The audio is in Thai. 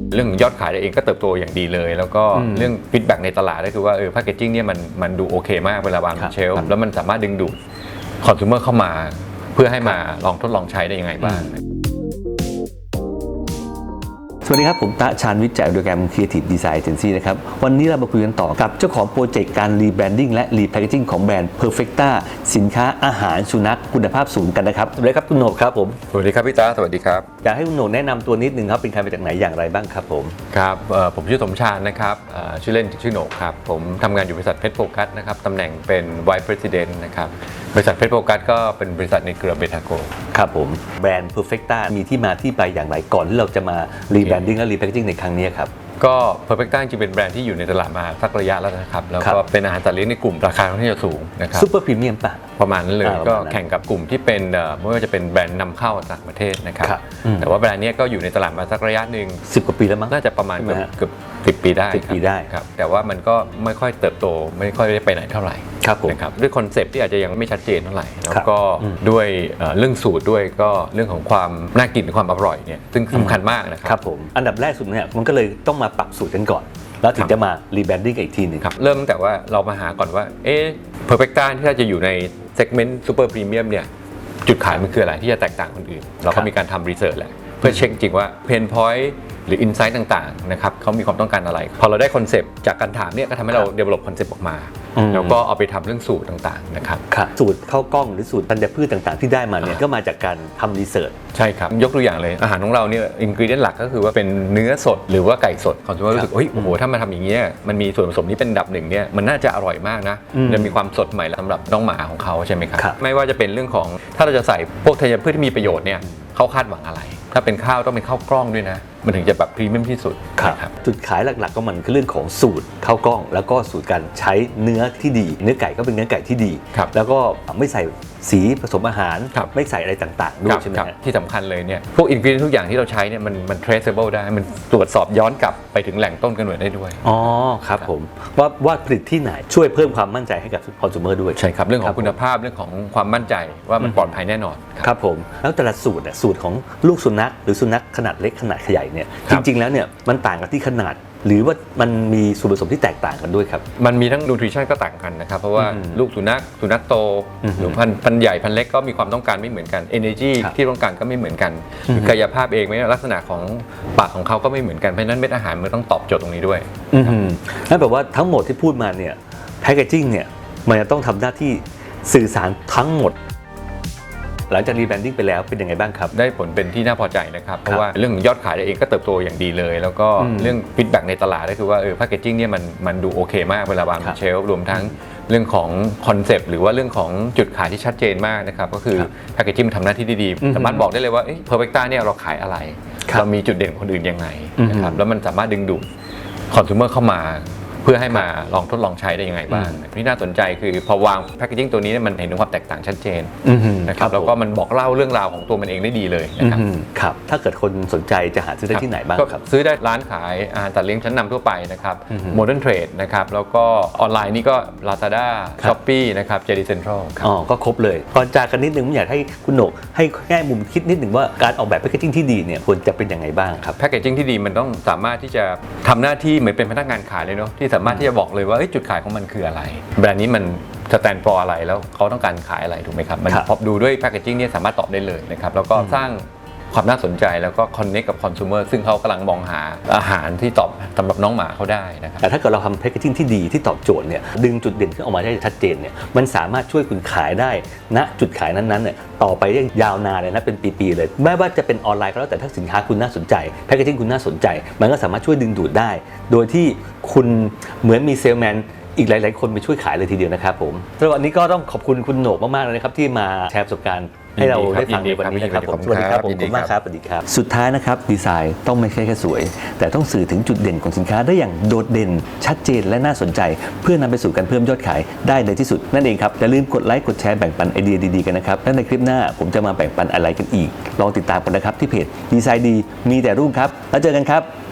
เรื่องยอดขายเองก็เติบโตอย่างดีเลยแล้วก็เรื่องฟีดแบ็กในตลาดก็คือว่าแพคเกจิ้งเนี่ยมันดูโอเคมากเวลาวางบนเชลฟ์แล้วมันสามารถดึงดูดคอน sumer เข้ามาเพื่อให้มาลองทดลองใช้ได้ยังไงบ้างสวัสดีครับผมตะชาญวิทย์จากโปรแกรม Creative Design Agency นะครับวันนี้เรามาคุยกันต่อกับเจ้าของโปรเจกต์การรีแบรนดิ้งและรีแพคเกจิ้งของแบรนด์ Perfecta สินค้าอาหารสุนัขคุณภาพสูงกันนะครับสวัสดีครับคุณโหนกครับผมสวัสดีครับพี่ตาสวัสดีครับอยากให้คุณโหนกแนะนำตัวนิดนึงครับเป็นใครมาจากไหนอย่างไรบ้างครับผมครับผมชื่อสมชาญนะครับชื่อเล่นชื่อโหนกครับผมทำงานอยู่บริษัทเพชรโฟกัสนะครับตำแหน่งเป็น Vice President นะครับบริษัทเพชรโฟกัสก็เป็นบริษัทในเครือเบทาโกครับผมแบรนด์ Perfecta มีที่มาที่ไปอย่างไรก่อนที่เราจะมารีแบรนดิ้งและรีแพคเกจิ้งในครั้งนี้ครับก็ Perfecta จริงเป็นแบรนด์ที่อยู่ในตลาดมาสักระยะแล้วนะครับแล้วก็เป็นอาหารสัตว์เลี้ยงในกลุ่มราคาค่อนข้างจะสูงนะครับซุปเปอร์พรีเมียมป่ะประมาณนั้นเลยก็แข่งกับกลุ่มที่เป็นไม่ว่าจะเป็นแบรนด์นำเข้าจากประเทศนะครับแต่ว่าแบรนด์นี้ก็อยู่ในตลาดมาสักระยะหนึ่ง 10 กว่าปีแล้วมั้งน่าจะประมาณเกือบ10 ปีได้ครับแต่ว่ามันก็ไม่ค่อยเติบโตไม่ค่อยได้ไปไหนเท่าไหร่นะครับด้วยคอนเซปต์ที่อาจจะยังไม่ชัดเจนเท่าไหร่แล้วก็ด้วยเรื่องสูตรด้วยก็เรื่องของความน่ากินความอร่อยเนี่ยซึ่งสำคัญมากนะครับครับผมอันดับแรกสุดเนี่ยมันก็เลยต้องมาปรับสูตรกันก่อนแล้วถึงจะมารีแบรนดิ้งอีกทีนึงครับเริ่มตั้งแต่ว่าเรามาหาก่อนว่าPerfecta ที่จะอยู่ในเซกเมนต์ซูเปอร์พรีเมียมเนี่ยจุดขายมันคืออะไรที่จะแตกต่างคนอื่นเราก็มีการทำรีเสิร์ชแหละเพื่อเช็คจริงว่าเพนพอยต์หรืออินไซต์ต่างๆนะครับเขามีความต้องการอะไรพอเราได้คอนเซปต์จากการถามเนี่ยก็ทำให้เรา develop คอนเซปต์ออกมาแล้วก็เอาไปทำเรื่องสูตรต่างๆนะครับสูตรข้าวกล้องหรือสูตรธัญพืชต่างๆที่ได้มาเนี่ยก็มาจากการทำรีเสิร์ชใช่ครับยกตัวอย่างเลยอาหารของเราเนี่ยอินกรีเดียนหลักก็คือว่าเป็นเนื้อสดหรือว่าไก่สดคอน sumer รู้สึกโอ้โหถ้ามาทำอย่างเงี้ยมันมีส่วนผสมที่เป็นอันดับหนึ่งเนี่ยมันน่าจะอร่อยมากนะจะมีความสดใหม่สำหรับน้องหมาของเขาใช่ไหมครับไม่ว่าจะเป็นเรื่องของถ้าเราจะใส่พวกธัญพืชที่มีประโยชน์เนี่ยเขาคาดหวังอะไรถ้าเป็นข้าวต้องเป็นข้าวกล้องด้วยนะมันถึงจะแบบพรีเมียมที่สุดครับจุดขายหลักๆก็มันคือเรื่องของสูตรข้าวกล้องแล้วก็สูตรการใช้เนื้อที่ดีเนื้อไก่ก็เป็นเนื้อไก่ที่ดีแล้วก็ไม่ใส่สีผสมอาหารไม่ใส่อะไรต่างๆด้วยใช่ไหมที่สำคัญเลยเนี่ยพวกอินกรีเดียนทุกอย่างที่เราใช้เนี่ยมัน traceable ได้มันตรวจสอบย้อนกลับไปถึงแหล่งต้นกำเนิดได้ด้วยอ๋อครับผมว่าผลิตที่ไหนช่วยเพิ่มความมั่นใจให้กับคอน sumer ด้วยใช่ครับเรื่องของคุณภาพเรื่องของความมั่นใจว่ามันปลอดภัยแน่นอนครับผมแล้วแต่ละสูตรของลูกสุนัขหรือสุนัขขนาดเล็กขนาดใหญ่เนี่ยจริงๆแล้วเนี่ยมันต่างกันที่ขนาดหรือว่ามันมีส่วนผสมที่แตกต่างกันด้วยครับมันมีทั้งนูทริชั่นก็ต่างกันนะครับเพราะว่าลูกสุนัขโตหรือพันใหญ่พันเล็กก็มีความต้องการไม่เหมือนกัน energy ที่ต้องการก็ไม่เหมือนกันกายภาพเองไม่ลักษณะของปากของเขาก็ไม่เหมือนกันเพราะฉะนั้นเม็ดอาหารมันต้องตอบโจทย์ตรงนี้ด้วยนั่นแปลว่าทั้งหมดที่พูดมาเนี่ยแพคเกจิ้งเนี่ยมันจะต้องทำหน้าที่สื่อสารทั้งหมดหลังจากรีแบรนดิ้งไปแล้วเป็นยังไงบ้างครับได้ผลเป็นที่น่าพอใจนะครับเพราะว่าเรื่องยอดขายเองก็เติบโตอย่างดีเลยแล้วก็เรื่องฟีดแบ็กในตลาดก็คือว่าแพคเกจิ้งเนี่ยมันดูโอเคมากเวลาวางบนเชลฟ์รวมทั้งเรื่องของคอนเซปต์หรือว่าเรื่องของจุดขายที่ชัดเจนมากนะครับก็คือแพคเกจิ้งทำหน้าที่ได้ดีสามารถบอกได้เลยว่าPerfectaเนี่ยเราขายอะไรเรามีจุดเด่นคนอื่นยังไงนะครับแล้วมันสามารถดึงดูดคอน sumer เข้ามาเพื่อให้มาลองทดลองใช้ได้ยังไงบ้างที่น่าสนใจคือพอวางแพคเกจิ้งตัวนี้มันเห็นถึงความแตกต่างชัดเจนนะครับแล้วก็มันบอกเล่าเรื่องราวของตัวมันเองได้ดีเลยนะครับครับถ้าเกิดคนสนใจจะหาซื้อได้ที่ไหนบ้างครับซื้อได้ร้านขายอาหารสัตว์เลี้ยงชั้นนำทั่วไปนะครับโมเดิร์นเทรดนะครับแล้วก็ออนไลน์นี่ก็ Lazada Shopee นะครับ JD Central ก็ครบเลยก่อนจากกันนิดนึงผมอยากให้คุณโหนกให้แง่มุมคิดนิดนึงว่าการออกแบบแพคเกจิ้งที่ดีเนี่ยควรจะเป็นยังไงบ้างครับแพคเกจิ้งที่ดีมันต้องสามารถที่จะทำหน้าที่เหมือนเป็นพนักงานขายเลยเนาะที่สามารถที่จะบอกเลยว่าจุดขายของมันคืออะไรแบรนด์นี้มันสแตนด์ฟอร์อะไรแล้วเขาต้องการขายอะไรถูกไหมครับมันพอดูด้วยแพคเกจิ้งเนี่ยสามารถตอบได้เลยนะครับแล้วก็สร้างความน่าสนใจแล้วก็คอนเนคกับคอน sumer ซึ่งเขากำลังมองหาอาหารที่ตอบสำหรับน้องหมาเขาได้นะครับแต่ถ้าเกิดเราทำแพคเกจิ้งที่ดีที่ตอบโจทย์เนี่ยดึงจุดเด่นขึ้นออกมาได้ชัดเจนเนี่ยมันสามารถช่วยคุณขายได้ณจุดขายนั้นๆเนี่ยต่อไปได้ยาวนานเลยนะเป็นปีๆเลยแม้ว่าจะเป็นออนไลน์ก็แล้วแต่ถ้าสินค้าคุณน่าสนใจแพคเกจิ้งคุณน่าสนใจมันก็สามารถช่วยดึงดูดได้โดยที่คุณเหมือนมีเซลแมนอีกหลายๆคนไปช่วยขายเลยทีเดียวนะครับผมสำหรับวันนี้ก็ต้องขอบคุณคุณโหนกมากๆเลยนะครับที่มาแชร์ประสบการณ์ให้เราได้ฟังในวันนี้นะครับผมสวัสดีครับผมขอบคุณมากครับสวัสดีครับสุดท้ายนะครับดีไซน์ต้องไม่ใช่แค่สวยแต่ต้องสื่อถึงจุดเด่นของสินค้าได้อย่างโดดเด่นชัดเจนและน่าสนใจเพื่อนำไปสู่การเพิ่มยอดขายได้ในที่สุดนั่นเองครับอย่าลืมกดไลค์กดแชร์แบ่งปันไอเดียดีๆกันนะครับและในคลิปหน้าผมจะมาแบ่งปันอะไรกันอีกลองติดตามกันนะครับที่เพจดีไซน์ดีมีแต่รุ่งครับแล้วเจอกันครับ